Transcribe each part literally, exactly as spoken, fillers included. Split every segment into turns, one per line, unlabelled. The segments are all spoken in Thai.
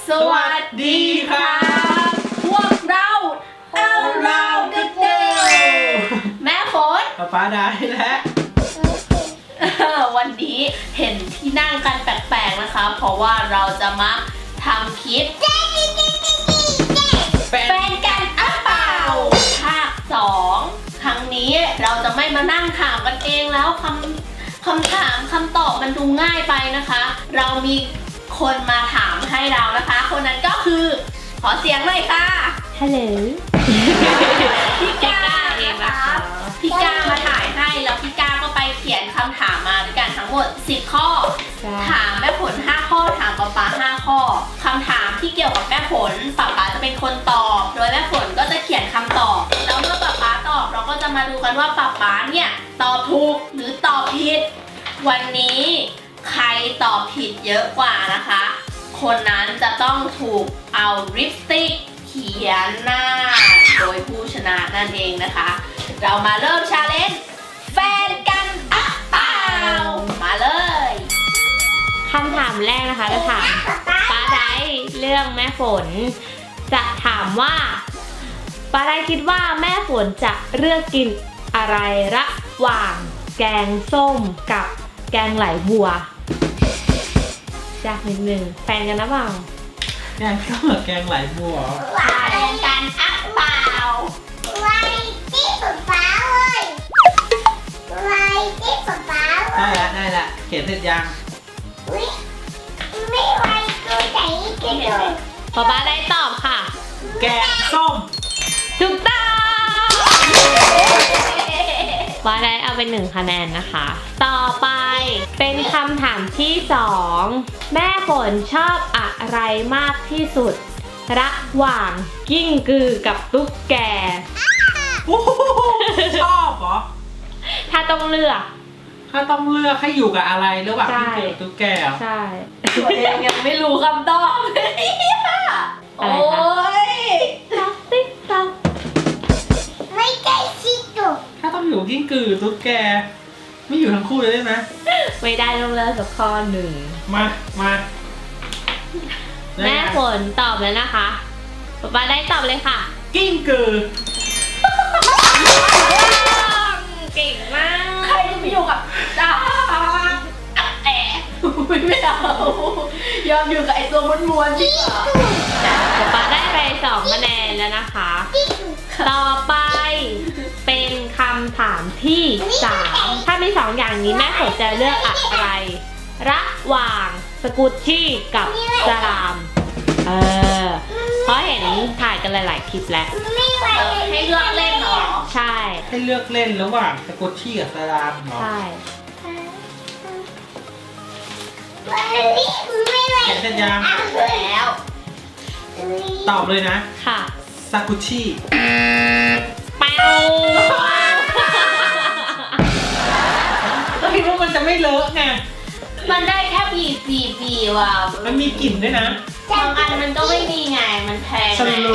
สวัสดีครับพวกเราเอาเราเด็กๆแม่ฝน
ป๊าป๊าได้แล้ว
วันนี้เห็นที่นั่งกันแปลกๆนะคะเพราะว่าเราจะมาทำคลิปแฟนกันอ่ะเปล่าภาคสองครั้งนี้เราจะไม่มานั่งถามกันเองแล้วคำคำถามคำตอบมันดูง่ายไปนะคะ เรามีคนมาถามให้เรานะคะคนนั้นก็คือขอเสียงเลยค่ะ
ฮัลโหล
พี่ก้าเองนะคะพี่ก้ามาถ่ายให้แล้วพี่ก้าก็ไปเขียนคำถามมาด้วยกันทั้งหมดสิบข้อถามแม่ฝนห้าข้อถามป๊าป๊าห้าข้อคำถามที่เกี่ยวกับแม่ฝนป๊าป๊าจะเป็นคนตอบโดยแม่ฝนก็จะเขียนคำตอบแล้วเมื่อป๊าป๊าตอบเราก็จะมาดูกันว่าป๊าป๊าเนี่ยตอบถูกหรือตอบผิดวันนี้ใครตอบผิดเยอะกว่านะคะคนนั้นจะต้องถูกเอาลิปสติกเขียนหน้าโดยผู้ชนะนั่นเองนะคะเรามาเริ่มชาเลนจ์แฟนกันอ่ะเปล่ามาเลย
คำถามแรกนะคะจะถามป้าได้เรื่องแม่ฝนจะถามว่าป้าได้คิดว่าแม่ฝนจะเลือกกินอะไรระหว่างแกงส้มกับแกงไหลบัวยากนิดนึงแฟนกันนะเปล่า
แกงข้าวแกงไหลบัว
แฟนกันอ่ะเปล่า
ไว้ที่ป๊าป๊าเลยไว้ที่ป๊าป๊าเล
ได้
ย
ละได้ละเขียนเสร็จยัง
ไม่ไม่ไว้ตัวไหนกันเลย
ป้าป้าได้ตอบค่ะ
แกงส้ม
ถูกต้องป้าได้เอาเป็นหนึ่งคะแนนนะคะ ต่อไปเป็นคำถามที่สองแม่ฝนชอบอะไรมากที่สุดระหว่างกิ้งกือกับตุ๊กแก
โอ้โหชอบเหรอ
ถ้าต้องเลือก
ถ้าต้องเลือกให้อยู่กับอะไรระหว่าง
ใช่
ที่เกิดตุ๊กแกเหรอ
ใช่
ตัวเองยังไม่รู้คำตอบเลยโอ้ย
ต๊อกติ๊กต๊อก
ไม่ใช่ชิโตะ
ถ้าต้องอยู่กิ้งกือตุ๊กแกไม่อยู่ทั้งคู่เลยได้ไหม
ไม่ได้ต้องเลือกสักข้อหนึ่ง
มามา
แม่ฝนตอบแล้วนะคะป๊าป๊าได้ตอบเลยค่ะ
กิ้งกือ
เก่งมาก
ใครจะไปอยู่กับจ้าแอะไม่เอายอมอยู่กับไอ้ตัวม้วนๆจริงเหรอ
ป๊าป๊าได้ไปสองคะแนนแล้วนะคะ ต่อไปเป็นคำถามที่สามถ้ามีสองอย่างนี้แม่ฝนจะเลือกอะไร ระหว่างสกูตชี่กับสลามเออเพราะเห็นถ่ายกันหลายๆคลิปแล้ว
ไม่ไหว
เออให้เลือกเล่นเหรอ
ใช่
ให้เลือกเล่นระหว่างสกุชชี่กับสลามเหรอ
ใช่
ไม่ไหว
เขียนเสร็จยัง
แล้ว
ตอบเลยนะ
ค่ะ
ซากุชิ
เป้า
ก็คิดว่ามันจะไม่เลอะไง
มันได้แค่ปีปีปีว่ะ
มันมีกลิ่นด้วยนะ
บางอันมันก็ไม่มีไงมันแพง
ฉัน
ไง
รู้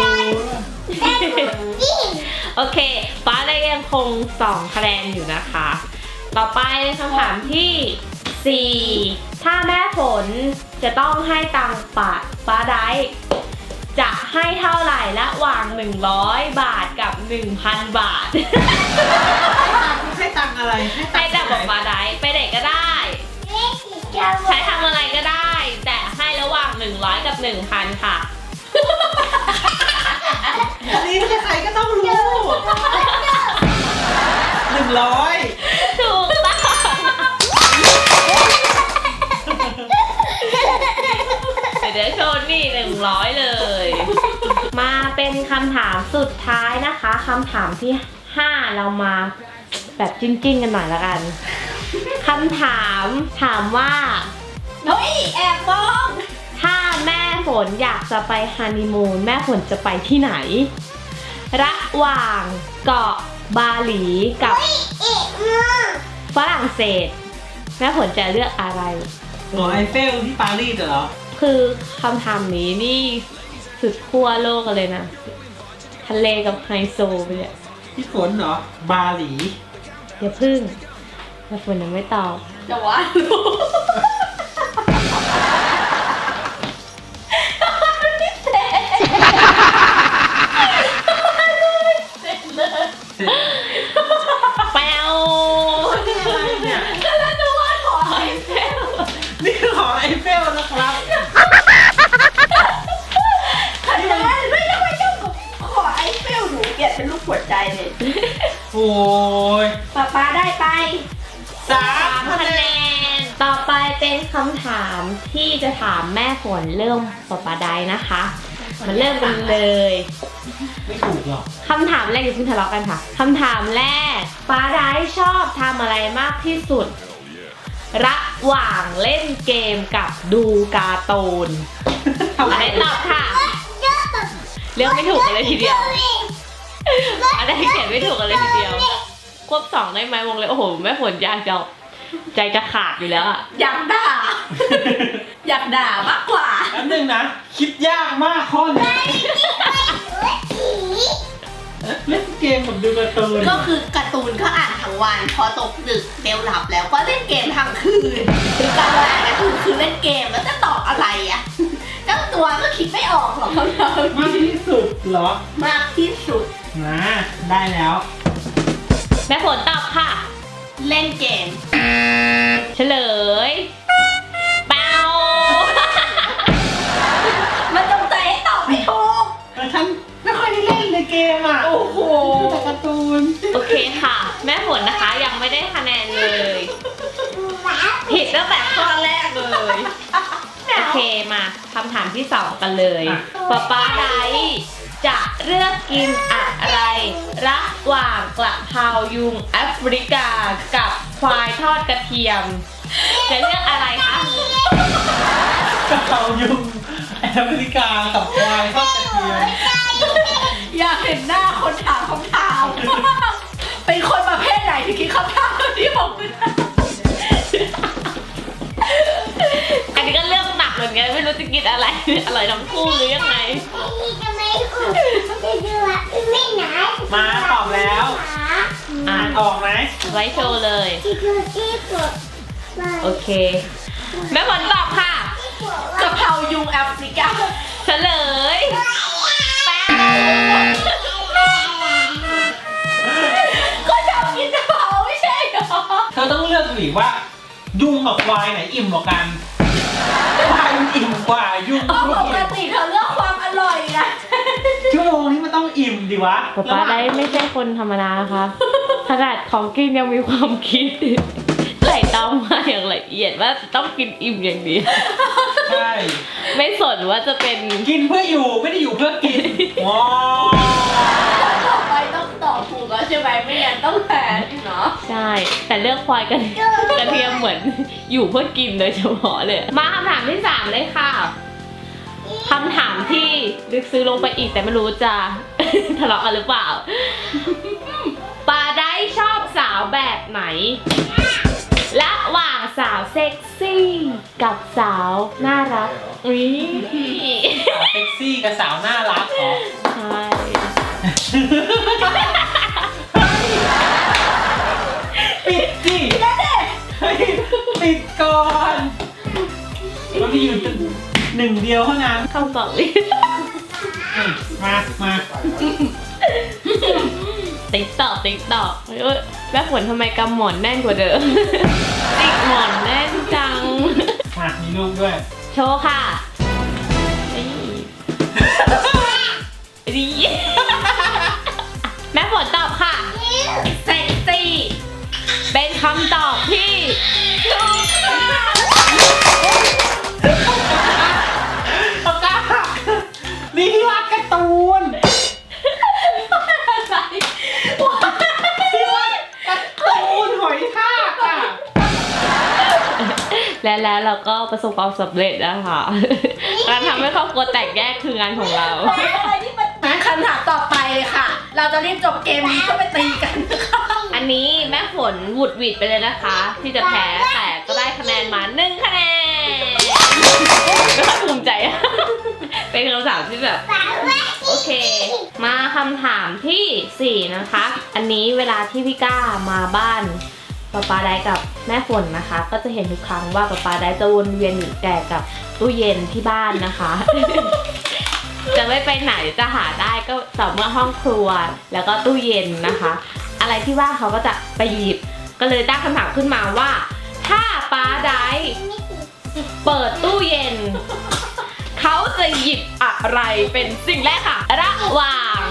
โอเคป้าได้ยังคงสองคะแนนอยู่นะคะ ต่อไปคำถามที่สี่ถ้าแม่ฝนจะต้องให้ตังค์ป้าป้าได้จะให้เท่าไหร่ระหว่างหนึ่งร้อยบาทกับ หนึ่งพัน บาท
ให้ตังค์อะไร
ให้แต่บอกป้าได้ไปไหนก็ได้ ใช้ทำอะไรก็ได้ แต่ให้ระหว่างหนึ่งร้อยกับ หนึ่งพัน ค่ะ
อันนี้ใครๆก็ต้องรู้หนึ่งร้อย
ถูกต้องเดี๋ยวโชว์นี่หนึ่งร้อยเลย มาเป็นคำถามสุดท้ายนะคะคำถามที่ห้าเรามาแบบจิ้นๆกันหน่อยละกันคำถามถามว่า
เฮ้ยแอบมอง
ถ้าแม่ฝนอยากจะไปฮันนีมูนแม่ฝนจะไปที่ไหน ระหว่างเกาะบาหลีกับฝรั่งเศสแม่ฝนจะเลือกอะไร
หอไอเฟลที่ปารีสเหรอ
คือคำถามนี้นี่สุดขั้วโลกกันเลยนะทะเลกับไฮโซไปเลย
ที่ฝนเหรอ บาหลี
อย่าพึ่งแม่ฝนยังไม่ตอบ
จะว่ารู้
โอ้ย
ป๊าป๊าได้ไป
สาม
สาม
คะ
คะ
แน
แน
น
น ต่อไปเป็นคำถามที่จะถามแม่ฝนเรื่องป๊าป๊าไดนะคะมาเริ่มกันเลย
ไม่ถูกหรอก
คำถามแรกอย่าเพิ่งทะเลาะกันค่ะคำถามแรกป๊าไดชอบทำอะไรมากที่สุด ระหว่างเล่นเกมกับดูการ์ตูนอะไรตอบค่ะ เลือกไม่ถูกกันเลยทีเดียวอะไรเขียนไม่ถูกกันเลยทีเดียว ควบสองได้ไหมวงเลยโอ้โหแม่ฝนยากจังใจจะขาดอยู่แล้วอะ
อยากด่า อยากด่ามากกว่า
แป๊บนึงนะ คิดยากมากข้อนี้เล่นเกมกับดูการ์ตูน
ก็คือการ์ตูนก็อ่านทั้งวันพอตกดึกเบลหลับแล้วก็เล่นเกมทั้งคืนคือการอ่านการ์ตูนคือเล่นเกมแล้วจะตอบอะไรอ่ะเจ้าตัวก็คิดไม่ออกหรอกเขาเรา
มากที่สุดเหรอ
มากที่สุด
นะได้แล้ว
แม่ฝนตอบค่ะ
เล่นเกม
เฉลยเปล่า
มันจงใจให้ตอบไม่ถูก
แต่ฉันไม่ค่อยได้เล่นในเกมอ่ะ
โอ้โห
ดูแต่การ์ตูน
โอเคค่ะ แม่ฝนนะคะยังไม่ได้คะแนนเลย ผิดตั้งแต่ข้อแรกเลย โอเคมาคำถามที่สองกันเลยป๊าป๊าไดจะเลือกกินอะไร ระหว่างกระเพรายุงแอฟริกากับควายทอดกระเทียม จะเลือกอะไรคะ
กระเพรายุงแอฟริกากับควายทอดกระเทียม
อยากเห็นหน้าคนถามคำถาม เป็นคนประเภทไหนที่คิดคำถามที่ผมไม่ได้
อันนี้ก็เลือกหนักเหมือนกันไม่รู้จะกินอะไร อร่อยทั้งคู่หรือยังไง
มาตอบแล้วอ่านออกไหม
ไว้โชว์เลย โอเค แม่ฝนตอบค่ะ
กะเพรายุงแอฟริกา
เฉลยแป้ง
ก็ชอบกินกะเพราไม่ใช่เหรอ
เธอต้องเลือกหรือว่า ยุงกับควายไหนอิ่มกว่ากันควายมันอิ่มกว่ายุง
เพราะ
ไม่
ปก
อิ่ม
ติเธอเลือกความอร่อยนะ
ชั่วโมงนี้มันต้องอิ่มดิวะ
ป๊าป๊าได้ไม่ใช่คนธรรมดานะคะขนาดของกินยังมีความคิดใส่ตองมาอย่างละเอียดว่าต้องกินอิ่มอย่างเดียว
ใช่
ไม่สนว่าจะเป็น
กินเพื่ออยู่ไม่ได้อยู่เพื่อกินว้าว
ต่อไปต้องตอบถูกแล้วใช่ไหมไม่งั้นต้องแพ้ที่เนาะ
ใช่ แต่เลือกควายกันกระเทียมเหมือนอยู่เพื่อกินโดยเฉพาะเลย มาคำถามที่สามเลยค่ะคำถามที่ลึกซึ้งลงไปอีกแต่ไม่รู้จะ ทะเลาะกันหรือเปล่าปาได้ชอบสาวแบบไหน ระหว่างสาวเซ็กซี่กับสาวน่ารักอุ้ย
สาวเซ็กซี่กับสาวน่ารักเหรอ
ใช่
ปิดสิเฮ้ยปิดก่อนมันมีอยู่หนึ่งเดียวเท่านั้น
คำตอบเลย
อืมมามา
ติ๊กตอกติ๊กตอกเอ้ยแม่ฝนทำไมกำหมอนแน่นกว่าเดิม ติ๊กหมอนแน่นจัง
มามีรูปด้วย
โชว์ค่ะนี่ดี แม่ฝนตอบค่ะ
เซ็กซี่
เป็นคำตอบที่ถูกต้อง
ปากกานี่ที่วาดการ์ตูน
อะไร
ที่วาดการ์ตูนหอยทากอ่ะ
และแล้วเราก็ประสบความสำเร็จนะคะ การทำให้ครอบครัวแตกแยกคืองานของเรา
อะไรที่มันคำถามต่อไปเลยค่ะ เราจะรีบจบเกมนี้ก็ไปตีกันนะคะ
อันนี้แม่ฝนหวุดหวิดไปเลยนะคะ ที่จะแพ้แต่ก็ได้คะแนนมาหนึ่งคะแนนไม่ค่อยภูมิใจอะ เป็นคำถามที่แบบ โอเค มาคำถามที่สี่นะคะ อันนี้เวลาที่พี่ก้ามาบ้านป๊าป๊าได้กับแม่ฝนนะคะ ก็จะเห็นทุกครั้งว่าป๊าป๊าได้จะวนเวียนอยู่แต่กับตู้เย็นที่บ้านนะคะ จะไม่ไปไหนจะหาได้ก็ต่อเมื่อห้องครัวแล้วก็ตู้เย็นนะคะ อะไรที่ว่างเขาก็จะไปหยิบ ก็เลยตั้งคำถามขึ้นมาว่า ถ้าป๊าได้เปิดตู้เย็น เขาจะหยิบอะไรเป็นสิ่งแรกค่ะ ระหว่าง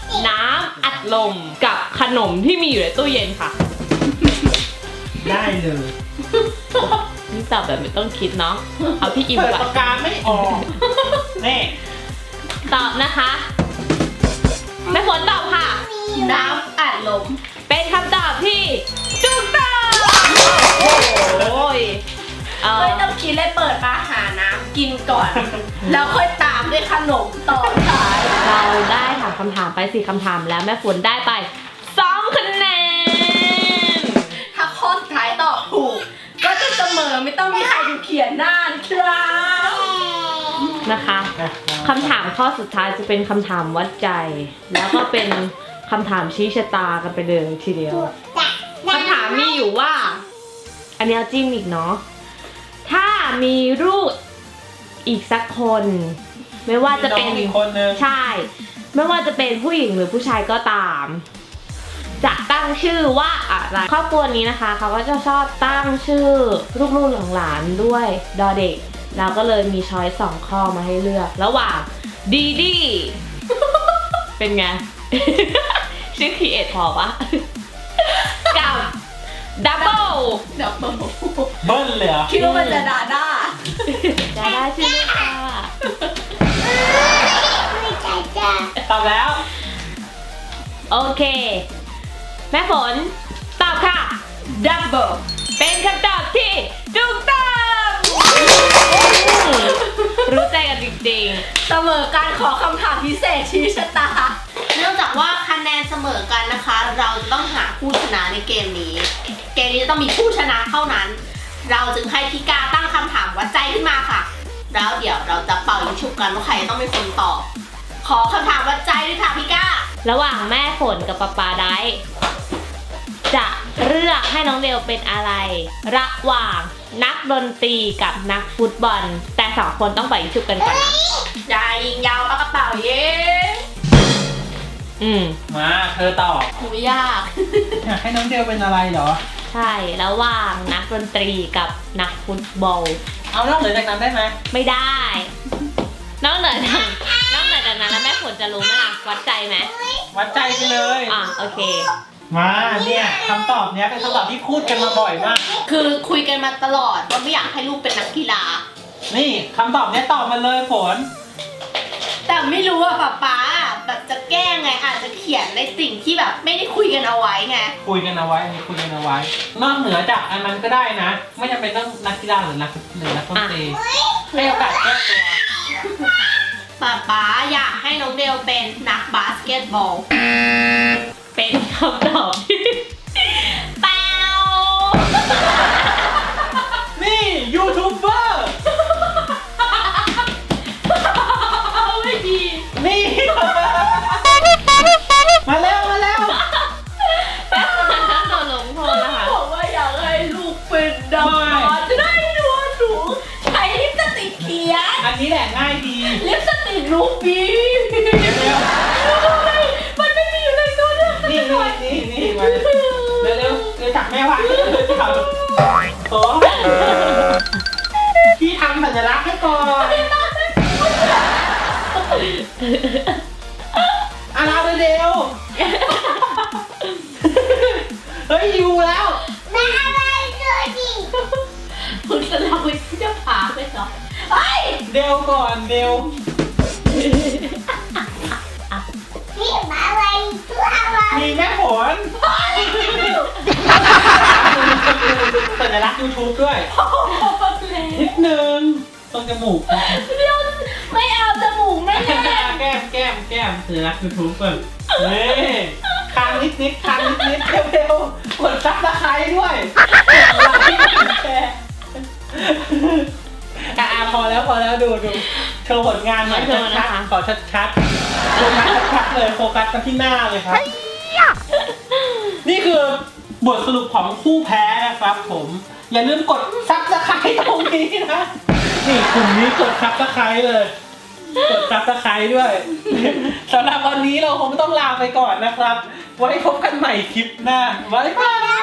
น้ำอัดลมกับขนมที่มีอยู่ในตู้เย็นค่ะ
ได้เลย
นี่ตอบแบบไม่ต้องคิดเนาะ เอาพี่อิม
เปิด
ก่อน
ปากกาไม่ออกนี่
ตอบนะคะแม่ฝนตอบค่ะ
น้ำอัดลม
เป็นคำตอบที่ถูกต้องโอ้ยเออ
ไม่ต้องคิดเลยเปิดมาหาน้ำกินก่อน แล้วค่อยตามด้วยขนมต่อท้าย
เราได้ถามคำถามไปสี่คำถามแล้วแม่ฝนได้ไปสองคะแนน
ถ้าข้อสุดท้ายตอบถูก ก็จะเสมอไม่ต้องมีใครถูกเขียนหน้านะครับ
นะคะคำถามข้อสุดท้ายจะเป็นคำถามวัดใจ แล้วก็เป็นคำถามชี้ชะตากันไปเลยทีเดียวคำถามมีอยู่ว่า อันนี้เอาจิ้มอีกเนาะถ้ามีลูกอีกสักคน ไม่ว่าจะเป็น
มีน้องอีกคนนึง
ใช่ ไม่ว่าจะเป็นผู้หญิงหรือผู้ชายก็ตาม จะตั้งชื่อว่าอะไรครอบครัวนี้นะคะเขาก็จะชอบตั้งชื่อลูกๆหลานๆด้วยดอเด็กเราก็เลยมีช้อยสองข้อมาให้เลือก ระหว่างดีดี เป็นไง ชื่อครีเอทพอปะ กับดับเบิล
เดี๋ยวเปิด
เบิ้ลเลยเหรอ
คิดว่ามันจะด่าด้า
จะได้ชื่อลูกค่ะ
ไม่ใจจ้า
ตอบแล้ว
โอเค แม่ฝนตอบค่ะ
ดับเบิล
เป็นคำตอบที่ถูกต้อง รู้ใจกันจริง
เสมอการขอคำถามพิเศษชี้ชะตา เนื่องจากว่าคะแนนเสมอกันนะคะ เราจะต้องหาผู้ชนะในเกมนี้ เกมนี้จะต้องมีผู้ชนะเท่านั้น เราจึงให้พี่กาตั้งคำถามวัดใจขึ้นมาค่ะ แล้วเดี๋ยวเราจะเป่ายิงฉุบกันว่าใครต้องเป็นคนตอบ ขอคำถามวัดใจด้วยค่ะพี่กา
ๆ ระหว่างแม่ฝนกับป๊าป๊าได้จะเลือกให้น้องเดลเป็นอะไร ระหว่างนักดนตรีกับนักฟุตบอล แต่สองคนต้องไปยิงฉุบกันก่อนนะ
ยายยิงยาวปากกระเป๋าเย้
อืม
มาเธอตอบ
หูยาก
อยากให้น้องเดลเป็นอะไรเหรอ
ใช่ ระหว่างนักดนตรีกับนักฟุตบอล
เอานอกเหนือจากนั้นได้ไหม
ไม่ได้ นอกเหนือจากนอกเหนือจากนั้นแล้วแม่ฝนจะรู้ไหมล่ะ วัดใจไหม
วัดใจไปเลย
อ่ะโอเค
มาเนี่ยคำตอบเนี้ยเป็นคำตอบที่พูดกันมาบ่อยมาก
คือคุยกันมาตลอดว่าไม่อยากให้ลูกเป็นนักกีฬา
นี่คำตอบเนี้ยตอบมาเลยฝน
แต่ไม่รู้ว่าป๊าป๊าแบบจะแก้ไงอาจจะเขียนในสิ่งที่แบบไม่ได้คุยกันเอาไว้ไง
คุยกันเอาไว้อันนี้คุยกันเอาไว้ นอกเหนือจากอันนั้นก็ได้นะ ไม่จำเป็นต้องนักกีฬาหรือนักหรือนักดนตรีให้โอกาสแก้ตัว
ป๊าป๊าอยากให้น้องเดลเป็นนักบาสเกตบอล
เป็นคำตอบที่เปล่า
นี่ยูทูบเบอร์
ไม่ดี
นี่ มาแล้วมาแล้ว
แม่ฝนต้องโดนลงโทษนะคะ
บอกว่าอยากให้ลูกเป็นนักบาสจะได้ดูหนูใช้ลิปสติกเขียน
อันนี้แหละง่ายดี
ลิปสติกรูบี
เดี๋ยวเร็ว
มันไม่มีอยู่ในตัวเลือก
นี่นี่นี่นี่มาเร็วเร็วเร็วจับแม่วางจับโอ้พี่ทำสัญลักษณ์ให้ก่อนอ่ะเราเร็วเฮ้ยอยู่แล้ว
แม่อะไรตัวดิ
คุณจะเล่าไปที่จะพาไปเหรอเฮ้ย
เดวก่อนเดว
นี่มาอะไรตัวอะไร
มีแม่ผลสัญลักษณ์ยูทูบด้วยนิดนึงตรงจมูก
เดี๋ยวไม่เอาจมูกแม่
แก้มแก้มแก้มแก้มสัญลักษณ์ยูทูบก่อนนี่คางนิดนิดคางนิดนิดเร็วๆกดซับสไครต์ด้วยอ่ะพอแล้วพอแล้วดูดูโชว์ผลงานหน่อยชัดๆขอชัดๆโฟกัสชัดๆเลยโฟกัสมาที่หน้าเลยครับนี่คือบทสรุปของคู่แพ้นะครับผมอย่าลืมกดซับสไครต์ตรงนี้นะนี่กลุ่มนี้กดซับสไครต์เลยกดซับสไครต์ด้วยสำหรับวันนี้เราคงต้องลาไปก่อนนะครับไว้พบกันใหม่คลิปหน้าบ๊ายบาย